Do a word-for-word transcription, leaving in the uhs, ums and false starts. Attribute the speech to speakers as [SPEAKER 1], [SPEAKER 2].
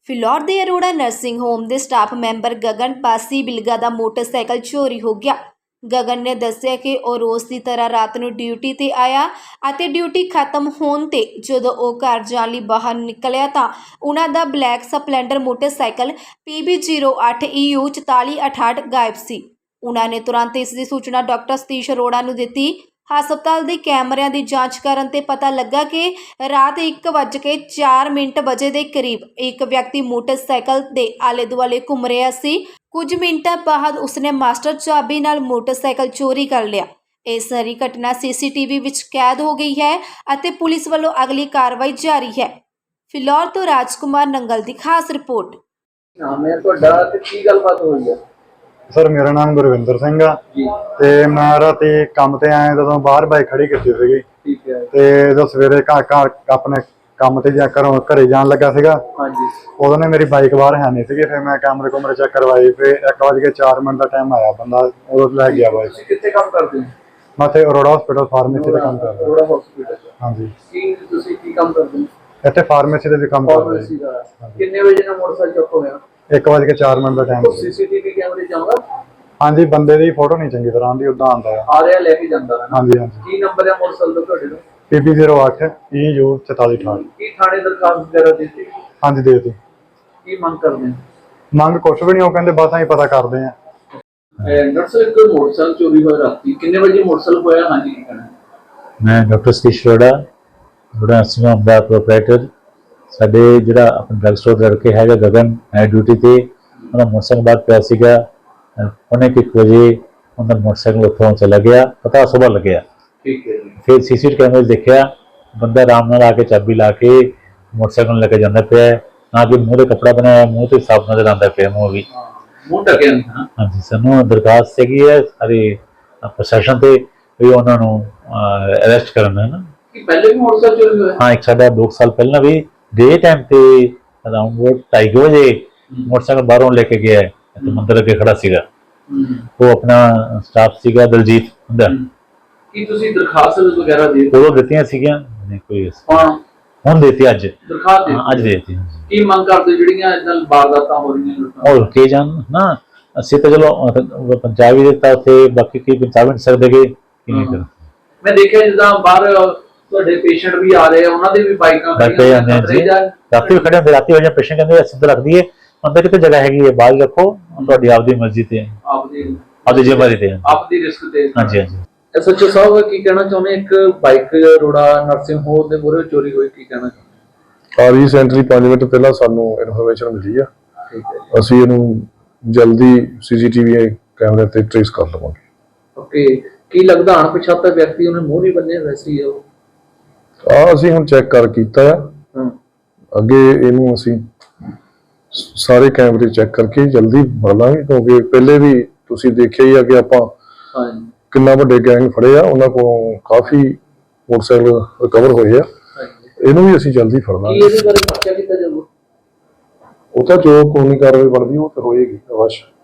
[SPEAKER 1] ਫਿਲੌਰ ਦੇ Arora nursing home ਦੇ staff member Gagan Pasi Bilga ਦਾ ਮੋਟਰਸਾਈਕਲ ਚੋਰੀ ਹੋ ਗਿਆ। ਗਗਨ ਨੇ ਦੱਸਿਆ ਕਿ ਉਹ ਰੋਜ਼ ਦੀ ਤਰ੍ਹਾਂ ਰਾਤ ਨੂੰ ਡਿਊਟੀ ਤੇ ਆਇਆ ਅਤੇ ਡਿਊਟੀ ਖਤਮ ਹੋਣ ਤੇ ਜਦੋਂ ਉਹ ਘਰ ਜਾਣ ਲਈ ਬਾਹਰ ਨਿਕਲਿਆ ਤਾਂ ਉਹਨਾਂ ਦਾ black splendor motorcycle P B zero ਅੱਠ ਈ ਯੂ ਚੁਤਾਲੀ ਅਠਾਹਠ ਗਾਇਬ ਸੀ। ਉਹਨਾਂ ਨੇ ਤੁਰੰਤ ਇਸ ਦੀ ਸੂਚਨਾ ਡਾਕਟਰ ਸਤੀਸ਼ ਅਰੋੜਾ ਨੂੰ ਦਿੱਤੀ। ਹਸਪਤਾਲ ਦੇ ਕੈਮਰਿਆਂ ਦੀ ਜਾਂਚ ਕਰਨ ਤੇ ਪਤਾ ਲੱਗਾ ਕਿ ਰਾਤ ਇੱਕ ਵੱਜ ਕੇ ਚਾਰ ਮਿੰਟ ਵਜੇ ਦੇ ਕਰੀਬ ਇੱਕ ਵਿਅਕਤੀ ਮੋਟਰਸਾਈਕਲ ਦੇ ਆਲੇ ਦੁਆਲੇ ਘੁੰਮ ਰਿਹਾ ਸੀ। ਕੁਝ ਮਿੰਟਾਂ ਬਾਅਦ ਉਸਨੇ ਮਾਸਟਰ ਚਾਬੀ ਨਾਲ ਮੋਟਰਸਾਈਕਲ ਚੋਰੀ ਕਰ ਲਿਆ। ਇਹ ਸਾਰੀ ਘਟਨਾ ਸੀ ਸੀ ਟੀ ਵੀ ਵਿੱਚ ਕੈਦ ਹੋ ਗਈ ਹੈ ਅਤੇ ਪੁਲਿਸ ਵੱਲੋਂ ਅਗਲੀ ਕਾਰਵਾਈ ਜਾਰੀ ਹੈ। ਫਿਲੌਰ ਤੋਂ ਰਾਜਕੁਮਾਰ ਨੰਗਲ ਦੀ ਖਾਸ ਰਿਪੋर्ट।
[SPEAKER 2] ਨਾਮ ਹੈ ਤੁਹਾਡਾ ਤੇ ਕੀ ਗੱਲਬਾਤ ਹੋਈ ਹੈ?
[SPEAKER 3] सर मेरा नाम गुरविंदर सिंह आ ते मैं राती काम ते आया जदों बाहर बाइक खड़ी की सीगी
[SPEAKER 2] ठीक है
[SPEAKER 3] ते जो सवेरे घर घर अपने काम ते जा घरों घरे जान लगा सीगा उदों ने मेरी बाइक बाहर है नहीं सी। फिर मैं कैमरे कुमरे चेक करवाई फिर एक बज के चार मिनट का टाइम आया बंदा उदों लै गया बाइक।
[SPEAKER 2] कित्थे काम करदे हो?
[SPEAKER 3] मैं इत्थे अरोड़ा हॉस्पिटल फार्मेसी ते काम करदा।
[SPEAKER 2] अरोड़ा हॉस्पिटल
[SPEAKER 3] हां जी।
[SPEAKER 2] की तुसीं की काम करदे हो?
[SPEAKER 3] इत्थे फार्मेसी ते भी काम करदा।
[SPEAKER 2] फार्मेसी दा कितने बजे ना मोटरसाइकिल चुक होया?
[SPEAKER 3] एक बज के चार मिनट का time
[SPEAKER 2] C C T V कैमरे जाऊंगा।
[SPEAKER 3] हाँ जी बंदे दी फोटो नहीं चंगी तरह आंदी उदां आंदा है।
[SPEAKER 2] आ रहा लेके जांदा है।
[SPEAKER 3] हां जी हां जी।
[SPEAKER 2] की नंबर है मोटरसाइकिल दा तुहाडे दा?
[SPEAKER 3] पी बी ज़ीरो आठ ई यू चौताली अठाहठ।
[SPEAKER 2] की थाने दरखास्त वगैरह देती?
[SPEAKER 3] हाँ जी दे दी।
[SPEAKER 2] की मंग करदे?
[SPEAKER 3] मंग कुछ भी नहीं, वो कहंदे बस असीं पता करदे हैं।
[SPEAKER 2] डॉक्टर साहब एक मोटरसाइकिल चोरी होया राती कितने बजे मोटरसाइकिल होया? हां जी की कहना?
[SPEAKER 4] मैं doctor Satish Arora Arora nursing home दा प्रोपराइटर साडे जिहड़ा अपना ड्रग स्टोर दा लड़के हैगा गगन है ड्यूटी ते उहदा मोटरसाइकिल बाहर पिया सीगा पौने एक बजे उन्होंने मोटरसाइकिल उत्थों चला गया पता सुबह लग्या।
[SPEAKER 2] ठीक है जी।
[SPEAKER 4] फिर सी सी टी वी कैमरे देखा बंदा आराम नाल आके चाबी ला के मोटरसाइकिल लेके जाता पिया ना कि मूँह ते कपड़ा बनाया मूँह ते साफ नजर आता पिया मूँह भी
[SPEAKER 2] मूँह ढकिया नहीं। हाँ
[SPEAKER 4] हाँ जी सानू दरखास्त हैगी है सारी प्रशासन ते भी उन्होंने अरेस्ट करना है ना
[SPEAKER 2] कि पहले भी मोटरसाइकिल चोरी होया?
[SPEAKER 4] हाँ एक साडा दो साल पहला भी डे टाइम ते अराउंड ढाई बजे मोटरसाइकिल बाहरों लेके गया है तो मंदिर अगे खड़ा सीगा वो अपना स्टाफ सीगा दलजीत हुंदा
[SPEAKER 2] की तुसी दरखास्त वगैरह दे
[SPEAKER 4] वो दित्तियां सीगियां नहीं कोई
[SPEAKER 2] हां
[SPEAKER 4] हुन देती अज
[SPEAKER 2] दरखास्त दे
[SPEAKER 4] अज देती
[SPEAKER 2] की मंग करदे ਜਿਹੜੀਆਂ ਇਦਾਂ ਵਾਰਦਾਤਾਂ ਹੋ ਰਹੀਆਂ ਲੋਕਾਂ
[SPEAKER 4] और के जान ना ਅਸੀਂ ਤਾਂ ਚਲੋ ਪੰਜਾਬ ਹੀ ਦਿੱਤਾ ਉੱਥੇ ਬਾਕੀ ਕੀ ਪੰਜਾਬ ਨਹੀਂ ਸਕਦੇ ਕਿ ਨਹੀਂ ਕਰ
[SPEAKER 2] ਮੈਂ ਦੇਖਿਆ ਜਿੱਦਾਂ ਬਾਹਰ ਤੁਹਾਡੇ ਪੇਸ਼ੈਂਟ ਵੀ ਆ ਰਹੇ ਆ ਉਹਨਾਂ ਦੇ ਵੀ ਬਾਈਕਾਂ
[SPEAKER 4] ਖੜੀਆਂ ਨੇ ਰਾਤੀ ਵੀ ਖੜੇ ਹੁੰਦੇ ਰਾਤੀ ਹੋ ਜਾਂ ਪੇਸ਼ੈਂਟ ਕਹਿੰਦੇ ਅਸੀਂ ਤਾਂ ਰੱਖ ਦਈਏ अंदर कितने जगह हैगी है बाहर रखो ਤੁਹਾਡੀ ਆਪਦੀ ਮਰਜ਼ੀ ਤੇ
[SPEAKER 2] ਆਪਦੀ
[SPEAKER 4] ਆਪਦੀ ਜ਼ਿੰਮੇਵਾਰੀ ਤੇ
[SPEAKER 2] ਆਪਦੀ ਰਿਸਕ ਤੇ।
[SPEAKER 4] ਹਾਂਜੀ ਹਾਂਜੀ
[SPEAKER 2] ਐਸ ਐਚ ਓ ਸਾਹਿਬ ਕੀ ਕਹਿਣਾ ਚਾਹੁੰਦੇ? ਇੱਕ ਬਾਈਕ ਅਰੋੜਾ ਨਰਸਿੰਗ ਹੋਮ ਦੇ ਮੂਹਰੇ ਚੋਰੀ ਹੋਈ, ਕੀ ਕਹਿਣਾ ਚਾਹੁੰਦੇ?
[SPEAKER 5] ਆ ਰੀਸੈਂਟਲੀ ਪੰਜ ਮਿੰਟ ਪਹਿਲਾਂ ਸਾਨੂੰ ਇਨਫੋਰਮੇਸ਼ਨ ਮਿਲੀ ਆ।
[SPEAKER 2] ਠੀਕ ਹੈ
[SPEAKER 5] ਅਸੀਂ ਇਹਨੂੰ ਜਲਦੀ ਸੀ ਸੀ ਟੀ ਵੀ ਕੈਮਰੇ ਤੇ ਟ੍ਰੇਸ ਕਰ ਲਵਾਂਗੇ।
[SPEAKER 2] ਓਕੇ ਕੀ ਲੱਗਦਾ ਅਣਪਛਾਤਾ ਵਿਅਕਤੀ ਉਹਨੇ ਮੂੰਹ ਨਹੀਂ ਬੰਨਿਆ ਵੈਸੇ ਹੀ ਉਹ
[SPEAKER 5] ਆ ਅਸੀਂ ਹੁਣ ਚੈੱਕ ਕਰ ਕੀਤਾ ਆ ਅੱਗੇ ਇਹਨੂੰ ਅਸੀਂ ਸਾਰੇ ਕੈਮਰੇ ਚੈੱਕ ਕਰਕੇ ਜਲਦੀ ਫੜ ਲਾਂਗੇ ਕਿਉਂਕਿ ਪਹਿਲੇ ਵੀ ਤੁਸੀਂ ਦੇਖਿਆ ਹੀ ਆ ਕਿ ਆਪਾਂ ਕਿੰਨਾ ਵੱਡੇ ਗੈਂਗ ਫੜੇ ਆ ਉਹਨਾਂ ਕੋਲੋਂ ਕਾਫੀ ਮੋਟਰਸਾਈਕਲ ਰਿਕਵਰ ਹੋਏ ਆ। ਇਹਨੂੰ ਵੀ ਅਸੀਂ ਜਲਦੀ ਫੜ ਲਾਂਗੇ।
[SPEAKER 2] ਇਹਦੇ ਬਾਰੇ ਪੁੱਛਿਆ ਕੀਤਾ ਜਾਊਗਾ
[SPEAKER 5] ਉਹ ਤਾਂ ਜੋ ਕਾਨੂੰਨੀ ਕਾਰਵਾਈ ਬਣਦੀ ਉਹ ਤਾਂ ਹੋਏਗੀ ਅਵਸ਼।